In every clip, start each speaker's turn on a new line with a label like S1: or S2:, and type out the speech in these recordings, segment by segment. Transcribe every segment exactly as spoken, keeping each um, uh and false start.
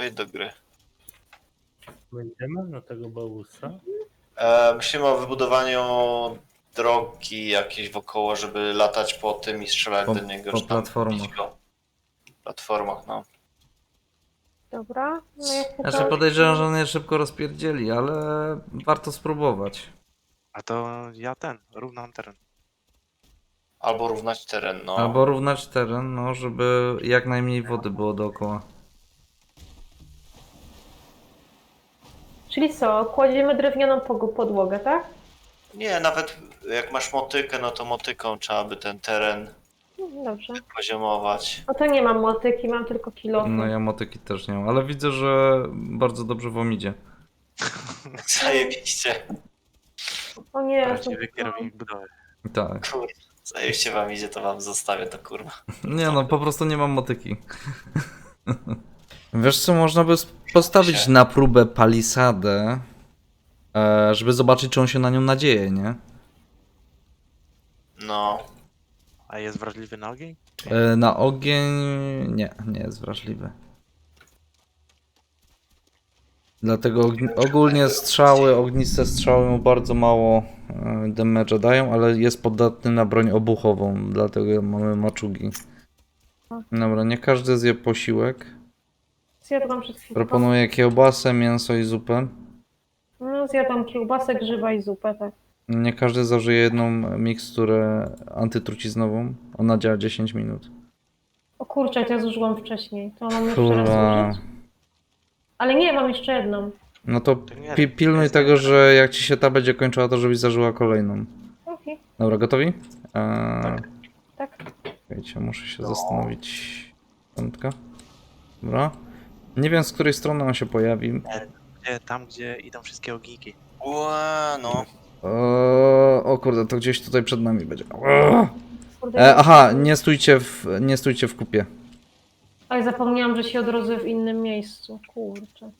S1: wejdź do gry.
S2: Będziemy na tego bałusa?
S1: E, myślimy o wybudowaniu drogi jakiejś wokoło, żeby latać po tym i strzelać
S3: Po-
S1: do niego.
S3: po
S1: że tam
S3: platformach.
S1: bić go. Platformach, no.
S4: Dobra, no ja chyba...
S3: Znaczy podejrzewam, że on je szybko rozpierdzieli, ale warto spróbować.
S5: A to ja ten, równam teren.
S1: Albo równać teren, no.
S3: Albo równać teren, no, żeby jak najmniej wody było dookoła.
S4: Czyli co, kładziemy drewnianą pog- podłogę, tak?
S1: Nie, nawet jak masz motykę, no to motyką trzeba by ten teren
S4: No, dobrze.
S1: poziomować.
S4: No to nie mam motyki, mam tylko kilofy.
S3: No ja motyki też nie mam, ale widzę, że bardzo dobrze wam idzie.
S1: Zajebiście.
S4: O nie,
S5: Prawdziwy
S4: to-
S5: kierownik budowy.
S3: Tak.
S1: Kurde, zajebiście wam idzie, to wam zostawię to, kurwa.
S3: Nie no, po prostu nie mam motyki. Wiesz co, można by postawić na próbę palisadę, e, żeby zobaczyć, czy on się na nią nadzieje, nie?
S1: No.
S5: A jest wrażliwy na ogień?
S3: E, na ogień... nie, nie jest wrażliwy. Dlatego ogni- ogólnie strzały, ogniste strzały mu bardzo mało e, damage'a dają, ale jest podatny na broń obuchową, dlatego mamy maczugi. Dobra, nie każdy zje posiłek.
S4: Zjadłam przed chwilą.
S3: Proponuję kiełbasę, mięso i zupę.
S4: No, zjadłam kiełbasę, grzyba i zupę, tak.
S3: Nie każdy zażyje jedną miksturę antytruciznową. Ona działa dziesięć minut.
S4: O kurczę, ja zużyłam wcześniej. To mam jeszcze raz
S3: Kurwa.
S4: zużyć? Ale nie, mam jeszcze jedną.
S3: No to
S5: nie,
S3: pi pilnuj
S5: jest
S3: tego,
S5: dobra.
S3: że jak ci się ta będzie kończyła, to żebyś zażyła kolejną.
S4: Okej,
S3: Dobra, gotowi? Eee,
S4: tak.
S3: Czekajcie, muszę się zastanowić. Piątka. Dobra. Nie wiem, z której strony on się pojawi.
S5: Gdzie, tam, gdzie idą wszystkie ogniki.
S1: Ła, no.
S3: Eee, o kurde, to gdzieś tutaj przed nami będzie. Eee.
S4: Kurde,
S3: E, aha, nie stójcie w, nie stójcie w kupie.
S4: Ale zapomniałam, że się odrodzę w innym miejscu. Kurczę.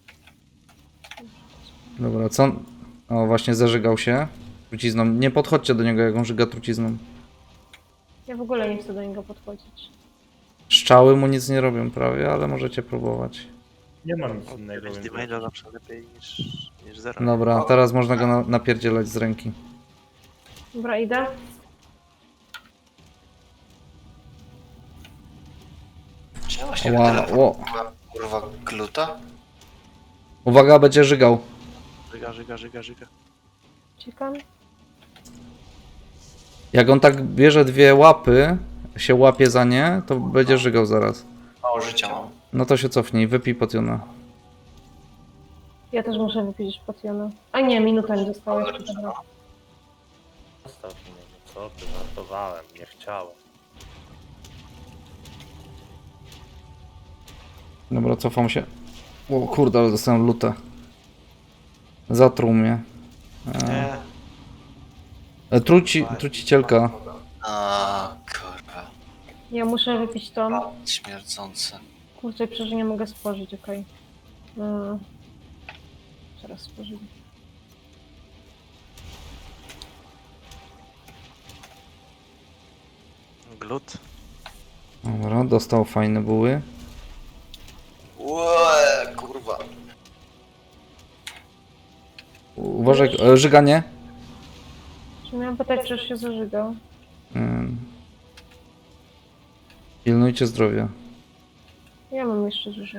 S3: Dobra, co on... O, właśnie zażygał się trucizną. Nie podchodźcie do niego, jak on żyga trucizną.
S4: Ja w ogóle nie chcę do niego podchodzić.
S3: Strzały mu nic nie robią prawie, ale możecie próbować.
S2: Nie mam nic innego.
S5: dziewięć
S2: więc-
S5: damage'a zawsze lepiej niż, niż zero.
S3: Dobra, teraz można go na napierdzielać z ręki.
S4: Dobra, idę.
S1: Czemu właśnie
S3: Ła,
S1: tyle
S3: ło.
S1: kurwa gluta?
S3: Uwaga, będzie żygał.
S5: Żyga, żyga, żyga, żyga.
S4: Czekam.
S3: Jak on tak bierze dwie łapy, się łapie za nie, to będzie żygał zaraz.
S1: Mało życia mam.
S3: No to się cofnij, wypij potiona.
S4: Ja też muszę wypić potiona. A nie, minuta mi została jeszcze. Dobra.
S2: Zostaw mnie, no co ty, żartowałem, nie chciałem.
S3: Dobra, cofam się. O kurde, ale dostałem lutę. Zatruł mnie.
S5: Nie,
S3: E, truci, trucicielka.
S1: A, kurwa.
S4: Ja muszę wypić to.
S1: Śmierdzące.
S4: Kurczę, przecież nie mogę spożyć, okej. Okay. Zaraz spożyję.
S5: glut.
S3: Dobra, dostał fajne buły.
S1: Łe, kurwa.
S3: Uważaj, e, żyganie.
S4: Czy miałam pytać, czy już się zażygał?
S3: Ym. Pilnujcie zdrowia.
S4: Ja mam jeszcze dużo.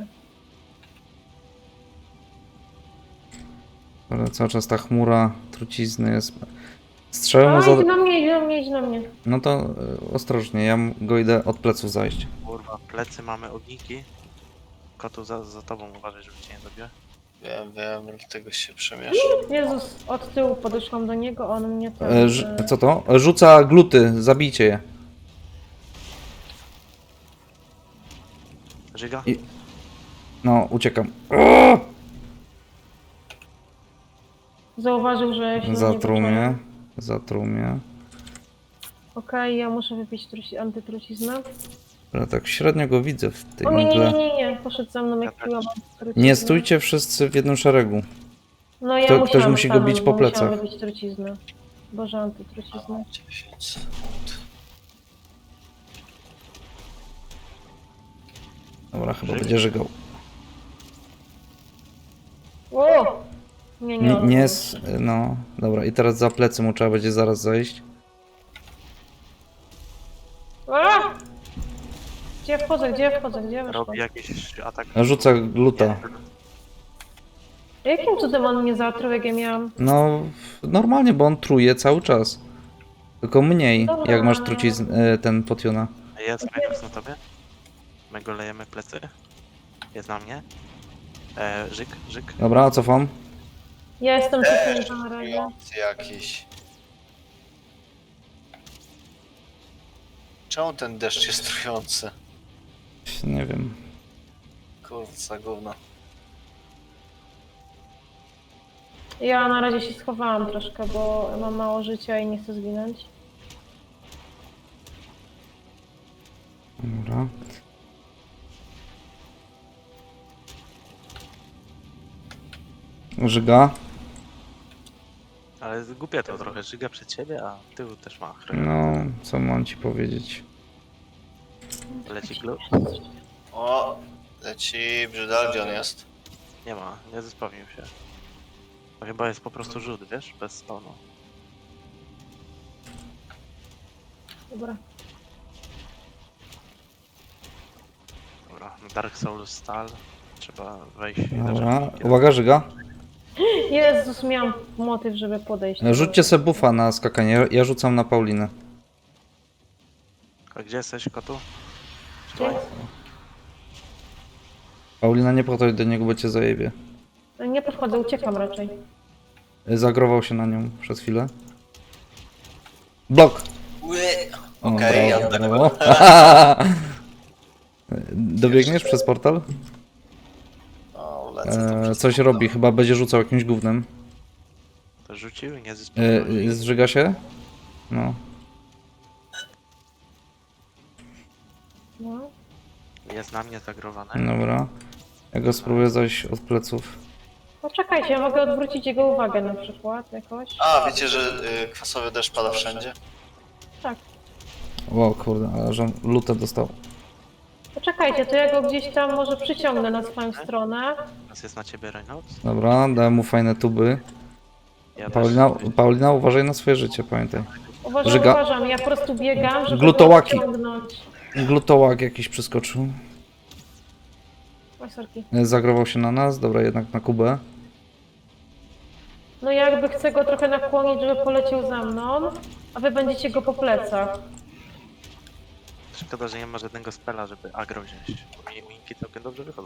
S3: Ale cały czas ta chmura trucizny jest. Strzelę mu
S4: A,
S3: za...
S4: idź na mnie, idź na mnie, idź na mnie.
S3: No to e, ostrożnie, ja m- go idę od pleców zajść.
S5: Kurwa, plecy mamy ogniki. Kotu za, za tobą uważaj, żeby cię nie dobiła.
S1: Wiem, wiem, dlatego się przemieszam.
S4: Jezus, od tyłu podeszłam do niego, on mnie tam...
S3: E, ż- co to? E, Rzuca gluty, zabijcie je.
S5: Żyga?
S3: I- No, uciekam. O!
S4: Zauważył, że się
S3: Zatruł
S4: na niego
S3: mnie.
S4: czuję.
S3: Zatruł mnie.
S4: Okej, ja muszę wypić truci- antytruciznę.
S3: Ale tak średnio go widzę w tej
S4: O nie, nie, nie,
S3: mgle.
S4: nie, nie, poszedł za mną jak piłam antytruciznę.
S3: Nie stójcie wszyscy w jednym szeregu.
S4: No ja
S3: Kto-
S4: musiałam
S3: ktoś musi go
S4: stanąć,
S3: bić po
S4: bo musiałam
S3: plecach.
S4: wypić truciznę. Boże, antytruciznę.
S1: dziesięć sekund.
S3: Dobra, chyba będzie żygał.
S4: O! Nie, nie,
S3: Nie,
S4: on
S3: nie
S4: już.
S3: jest. No, dobra, i teraz za plecy mu trzeba będzie zaraz zejść.
S4: A! Gdzie ja wchodzę, gdzie ja wchodzę, gdzie ja weszłam?
S5: Robi jakiś atak.
S3: Rzuca gluta.
S4: Jakim cudem on mnie zaatruł, jak ja miałam?
S3: No, normalnie, bo on truje cały czas. Tylko mniej,
S4: Dobra.
S3: jak masz trucizn, e, ten potiona.
S5: Jest Raiders na tobie. My go lejemy plecy. Jest na mnie. E, żyk, żyk.
S3: Dobra, cofam.
S4: Ja jestem
S1: Deszcz
S4: cofnięta na razie.
S1: trujący jakiś. Czemu ten deszcz jest trujący?
S3: Nie wiem.
S1: Kurwa, gówno.
S4: Ja na razie się schowałam troszkę, bo mam mało życia i nie chcę zginąć.
S3: Dobra. Żyga.
S5: Ale głupie to trochę. Żyga przed siebie, a tył też ma.
S3: No, co mam ci powiedzieć?
S5: Leci glu.
S1: O, leci brzydal, gdzie on jest?
S5: Nie ma, nie zespawnił się. To chyba jest po prostu rzut, wiesz? Bez spawnu.
S4: Dobra.
S5: Dobra, Dark Souls Stal. Trzeba wejść i
S3: Dobra.
S5: zacząć-
S3: Uwaga, żyga.
S4: Jezus, miałam motyw, żeby podejść.
S3: Rzućcie se buffa na skakanie. Ja rzucam na Paulinę.
S5: A gdzie jesteś, kotu?
S4: Gdzie?
S3: Paulina, nie podchodź do niego, bo cię zajebie.
S4: Nie podchodzę, uciekam raczej.
S3: Zagrował się na nią przez chwilę. Blok! O,
S1: Okej, ja
S3: brawo,
S1: tak
S3: brawo. Dobiegniesz przez portal?
S1: O, lecę to
S3: E,
S1: przez
S3: coś
S1: portal.
S3: robi, chyba będzie rzucał jakimś gównem.
S5: To rzucił i nie zespawnił.
S3: E, zżyga się? No.
S4: No.
S5: Jest na mnie zagrowany.
S3: Dobra. Ja go spróbuję zajść od pleców.
S4: Poczekajcie, ja mogę odwrócić jego uwagę na przykład jakoś.
S1: A, wiecie, że y, kwasowy deszcz pada wszędzie?
S4: Tak.
S3: Wow, kurde, ale że lutę dostał.
S4: Poczekajcie, to ja go gdzieś tam może przyciągnę na swoją stronę.
S5: Teraz jest na ciebie Reynolds.
S3: Dobra, dałem mu fajne tuby.
S5: Ja
S3: Paulina,
S5: też-
S3: Paulina, uważaj na swoje życie, pamiętaj.
S4: Uważam,
S3: Żyga.
S4: uważam, ja po prostu biegam, żeby
S3: Glutołaki.
S4: go wciągnąć.
S3: Glutołak jakiś przyskoczył.
S4: Oj, sorki.
S3: E, Zagrował się na nas, dobra, jednak na Kubę.
S4: No ja jakby chcę go trochę nakłonić, żeby poleciał za mną, a wy będziecie go po plecach.
S5: Szkoda, że nie ma żadnego spela, żeby agro wziąć. Bo mi minki całkiem dobrze wychodzą.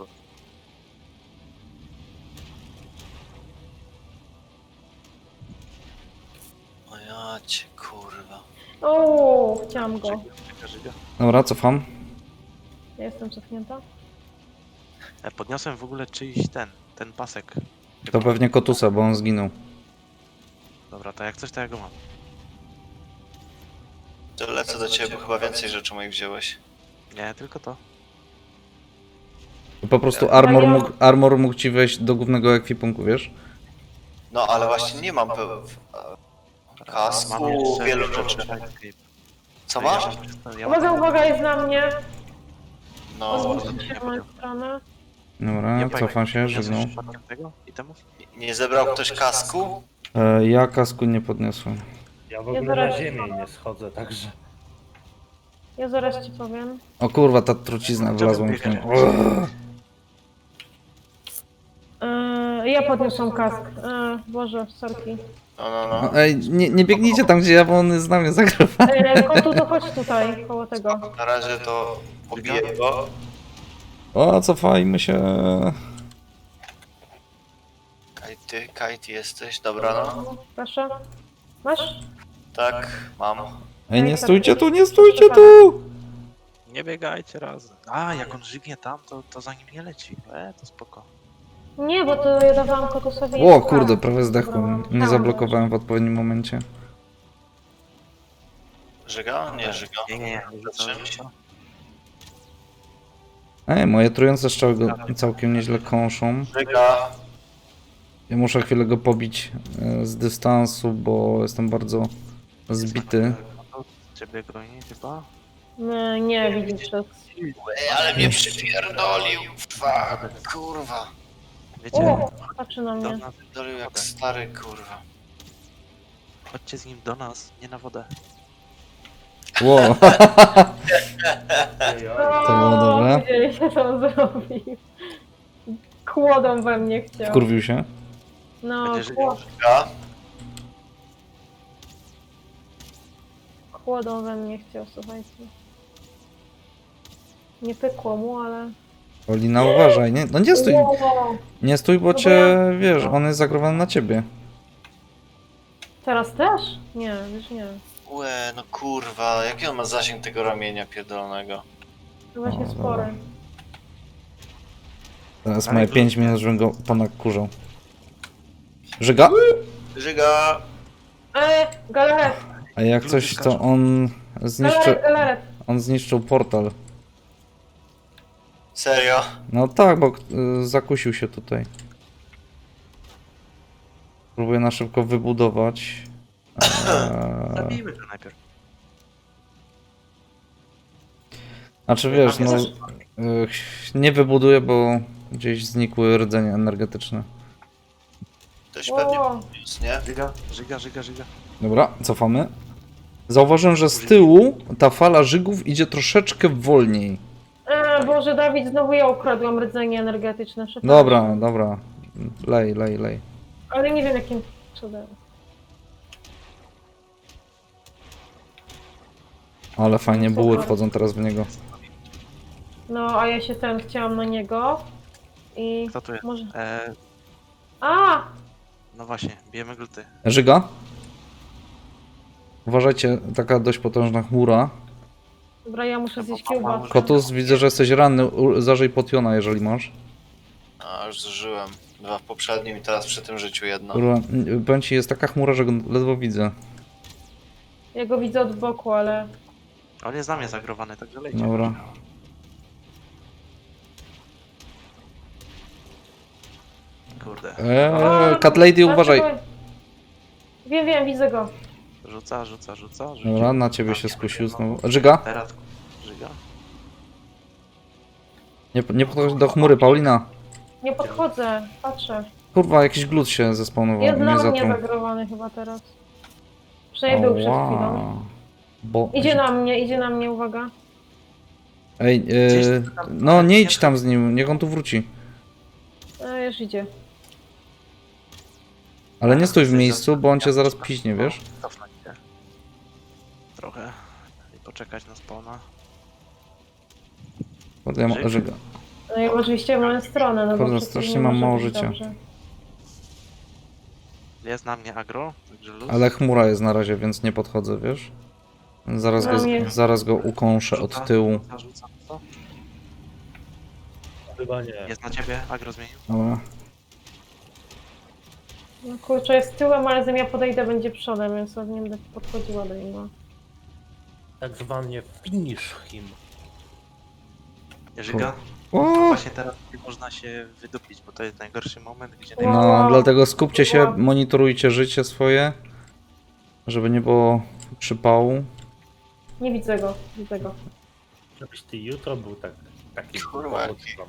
S1: O ja cię, kurwa.
S4: O, chciałam go.
S5: Żyga, żyga.
S3: Dobra, cofam.
S4: Ja jestem cofnięta.
S5: E, podniosłem w ogóle czyjś ten, ten pasek.
S3: To pewnie Kotusa, bo on zginął.
S5: Dobra, to jak coś, to ja go mam.
S1: To lecę do ciebie, bo chyba więcej rzeczy moich wziąłeś.
S5: Nie, tylko to.
S3: Po prostu armor
S4: ja-
S3: mógł, armor mógł ci wejść do głównego ekwipunku, wiesz?
S1: No, ale właśnie nie mam pe- kasku, wielu rzeczy. Co masz?
S5: Ja
S4: Uwaga,
S5: mam
S4: uwaga, jest na mnie.
S1: No,
S4: Odwróćcie się w moją stronę.
S3: Dobra,
S5: Ja
S3: cofam się, żegnał.
S5: przypadkiem tego itemów?
S1: nie zebrał ktoś kasku?
S3: E, ja kasku nie podniosłem.
S2: Ja w
S4: Ja
S2: ogóle
S4: zaraz-
S2: na ziemię nie schodzę, także...
S4: Ja zaraz ci powiem.
S3: O kurwa, ta trucizna wlazła mi w nią.
S4: Yy, ja podniosłam kask. Yy, Boże, sorki.
S1: No, no, no.
S3: No, ej, nie, nie biegnijcie tam, gdzie ja, bo on z nami zagrywa.
S4: Yy, kotu, to chodź tutaj, koło tego.
S1: Na razie to pobiję go.
S3: O, cofajmy się.
S1: Kajty, Kajty jesteś, dobra no.
S4: Proszę. Masz?
S1: Tak, mam.
S3: Ej, nie stójcie tu, nie stójcie tu!
S5: Nie biegajcie razem. A, jak on żygnie tam, to, to za nim nie leci. E, to spoko.
S4: Nie, bo to ja dawałam kotusowi
S3: O
S4: jeszcze
S3: kurde,
S4: kask.
S3: prawie zdechłem.
S4: Dobra,
S3: Nie zablokowałem w odpowiednim momencie.
S1: Żyga? Nie, żyga.
S5: Nie, nie, nie.
S1: Za czymś.
S3: Ej, moje trujące strzały go całkiem nieźle kąszą.
S1: Żyga.
S3: Ja muszę chwilę go pobić e, z dystansu, bo jestem bardzo zbity.
S5: Ciebie goni chyba?
S4: Nie, nie widzisz przez...
S1: Ej, ale mnie przypierdolił. Fuck, kurwa.
S5: Wiecie,
S4: O, patrzy na
S5: do
S4: mnie.
S5: nas,
S1: Dolił jak stary, kurwa.
S5: chodźcie z nim do nas, nie na wodę.
S3: Wow.
S2: Ojoj.
S3: To było dobre.
S4: Widzieliście, co on zrobił. Kłodą we mnie chciał.
S3: Wkurwił się.
S4: No,
S5: Będzie żył.
S4: kło-
S1: Ja?
S4: kłodą we mnie chciał, słuchajcie. Nie pykło mu, ale...
S3: Olina, uważaj, nie? No nie stój,
S4: Wow.
S3: nie stój, bo
S4: No bo
S3: cię,
S4: ja-
S3: wiesz, on jest zagrywany na ciebie.
S4: Teraz też? Nie, już nie.
S1: Łe, no kurwa, jaki on ma zasięg tego ramienia pierdolonego?
S4: To właśnie
S3: O,
S4: spory.
S3: dobra. Teraz
S5: Ale
S3: moje
S5: to-
S3: pięć minut, żebym go ponakurzał. Żyga?
S1: Żyga!
S4: Eee, galaret!
S3: A jak coś, to on zniszczy,
S4: Galaret, galaret!
S3: on zniszczył portal.
S1: Serio?
S3: No tak, bo y, zakusił się tutaj. Próbuję na szybko wybudować. Eee,
S5: Zabijmy go najpierw.
S3: znaczy wiesz, no y, nie wybuduję, bo gdzieś znikły rdzenie energetyczne.
S1: Ktoś pewnie
S4: Wow.
S1: podniósł, nie?
S5: Żyga, żyga, żyga, żyga.
S3: Dobra, cofamy. Zauważyłem, że z tyłu ta fala żygów idzie troszeczkę wolniej.
S4: Eee, Boże, Dawid, znowu ja ukradłam rdzenie energetyczne. przepraszam.
S3: Dobra, dobra. Lej, lej, lej.
S4: Ale nie wiem jakim cudem.
S3: Ale fajnie buły wchodzą teraz w niego.
S4: No, a ja się ten chciałam na niego. I
S5: Kto tu jest?
S4: może...
S5: E,
S4: A!
S5: no właśnie, bijemy gluty.
S3: Żyga? Uważajcie, taka dość potężna chmura.
S4: Dobra, ja muszę zjeść kiełbasę.
S3: Kotus, widzę, że jesteś ranny. U- Zażyj potiona, jeżeli masz.
S1: A, już zużyłem. Dwa w poprzednim i teraz przy tym życiu jedno.
S3: Kurwa, n- powiem ci, jest taka chmura, że go ledwo widzę.
S4: Ja go widzę od boku, ale...
S5: On jest na mnie zagrowany, także lejcie.
S3: Dobra.
S5: Kurde.
S3: Eee, Cat Lady, uważaj.
S4: Dlaczego- Wiem, wiem, widzę go.
S5: Rzuca, rzuca, rzuca. Rzuci.
S3: Dobra, na ciebie się skusił znowu. Żyga?
S5: Teraz żyga.
S3: Nie, nie podchodź do chmury, Paulina.
S4: Nie podchodzę, patrzę.
S3: Kurwa, jakiś glut się zespawnował
S4: Jest
S3: i mnie
S4: na mnie
S3: zatruł.
S4: zagrowany chyba teraz. Przejdę przed chwilą.
S3: Bo...
S4: Idzie na mnie, idzie na mnie, uwaga.
S3: Ej, e, no nie idź tam z nim, niech on tu wróci.
S4: E, już idzie.
S3: Ale nie stój w miejscu, bo on cię zaraz piźnie, wiesz?
S5: Cofnąć się. Trochę. I poczekać na spawna.
S3: Kurde, ja ma, żyga.
S4: No i oczywiście w moją stronę, no bo
S3: Kurde,
S4: przecież
S3: strasznie
S4: nie
S3: mam
S4: może
S3: mało
S4: być
S3: życia.
S4: dobrze.
S5: Jest na mnie agro, także luz.
S3: Ale chmura jest na razie, więc nie podchodzę, wiesz? Zaraz
S4: No
S3: go,
S4: nie.
S3: zaraz go ukąszę od tyłu.
S5: Rzuca, rzuca, rzuca.
S2: Chyba nie.
S5: Jest na ciebie, agro zmienił.
S3: Dobra.
S4: No kurczę, jest tyłem, ale zanim ja podejdę, będzie przodem, więc ja nie będę podchodziła do niego.
S2: Tak zwanie finish him.
S5: Żyga.
S3: O!
S5: Właśnie teraz nie można się wydupić, bo to jest najgorszy moment, gdzie
S4: Wow.
S3: No, dlatego skupcie się, monitorujcie życie swoje, żeby nie było przypału.
S4: Nie widzę go, widzę go.
S2: Żebyś ty jutro był tak, taki
S1: Kurwa, jaki.
S2: dowódcą.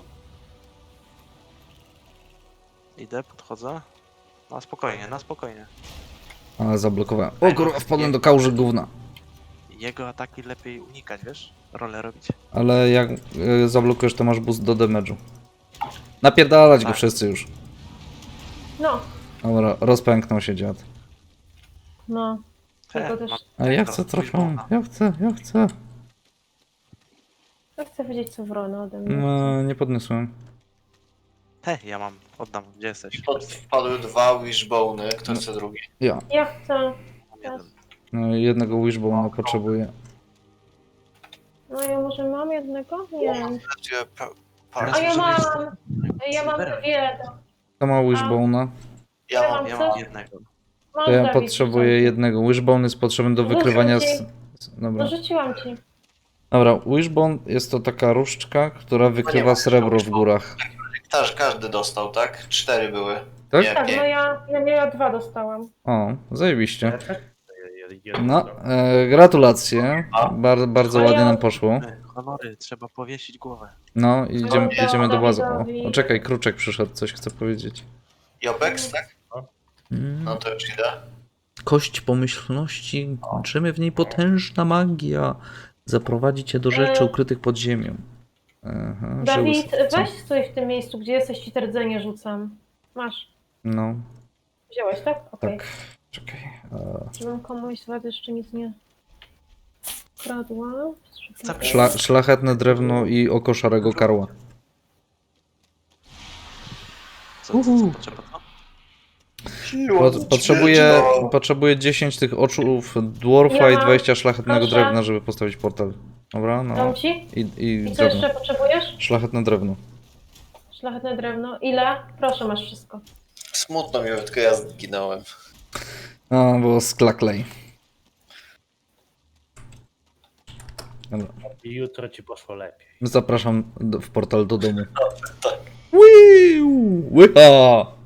S5: idę, podchodzę. Na spokojnie, na spokojnie.
S3: Ale zablokowałem. O kurwa, wpadłem do kałuży gówna.
S5: Jego ataki lepiej unikać, wiesz? Rolę robić.
S3: Ale jak y, zablokujesz, to masz boost do damage'u. Napierdalać go
S5: Tak.
S3: wszyscy już.
S4: No,
S3: Dobra, rozpęknął się dziad.
S4: no. Tylko też...
S5: mam-
S3: Ale ja
S5: to
S3: chcę trochę,
S5: Wishbona.
S3: ja chcę, ja chcę.
S4: Ja chcę wiedzieć, co wrona ode mnie.
S3: No, nie podniosłem.
S5: He, ja mam, oddam, gdzie jesteś?
S1: Pod, wpadły dwa wishbony, kto chce drugi?
S3: Ja.
S4: Ja chcę.
S5: Mam jeden.
S3: No, jednego wishbone'a potrzebuję.
S4: No ja może mam jednego? Nie wiem.
S1: Gdzie pa-
S4: A
S1: parę-
S4: ja mam! Ja mam
S5: Silvera.
S4: dwie.
S3: Kto ma wishbone'a?
S1: Ja mam.
S5: Ja mam jednego.
S4: Mam
S3: To ja
S4: Dawid,
S3: potrzebuję
S4: rzucam ci.
S3: jednego. Wishbone jest potrzebny do wykrywania z... z-
S4: No
S3: Dobra.
S4: rzuciłam ci.
S3: Dobra, wishbone jest to taka różdżka, która wykrywa srebro w górach.
S1: Też każdy dostał, tak? Cztery były.
S3: Tak?
S1: Nie,
S4: Tak,
S1: pięć.
S4: no ja, ja, ja dwa dostałam.
S3: O, zajebiście.
S2: Ja tak- ja- ja-
S3: No, e, gratulacje. Bar, bardzo
S4: A
S3: ładnie
S4: ja-
S3: nam poszło.
S5: E, Honory, trzeba powiesić głowę.
S3: No, idziemy,
S4: Oddał
S3: idziemy do bazy. O,
S4: Dawidowi.
S3: o, czekaj, Kruczek przyszedł, coś chce powiedzieć.
S1: I Opex, tak?
S3: Mm.
S1: No to już idę.
S3: Kość pomyślności, drzemie w niej potężna magia. Zaprowadzi cię do rzeczy
S4: E.
S3: ukrytych pod ziemią. Aha,
S4: Dawid,
S3: żyły- co?
S4: weź stój w tym miejscu, gdzie jesteś, ci rdzenie rzucam. Masz.
S3: No,
S4: Wziąłeś, tak? Okej.
S3: tak. Czekaj. e,
S4: Żebym komuś z was jeszcze nic nie kradła.
S5: Zabij-
S3: Szla, szlachetne drewno i oko szarego karła.
S5: Co, co, co potrzeba to?
S3: Po, potrzebuję, potrzebuję dziesięć tych oczów dwarfa
S4: Ja
S3: i
S4: mam.
S3: dwadzieścia szlachetnego
S4: Proszę.
S3: drewna, żeby postawić portal. Dobra, no.
S4: Dam ci?
S3: I, i
S4: I co
S3: drewno.
S4: jeszcze potrzebujesz?
S3: Szlachetne drewno.
S4: Szlachetne drewno. Ile? Proszę, masz wszystko.
S1: Smutno mi, tylko ja zginąłem.
S3: A, bo sklaklej. Dobra.
S2: I jutro ci poszło lepiej.
S3: Zapraszam do, w portal do domu.
S1: Tak.
S3: Wiu! Łycha!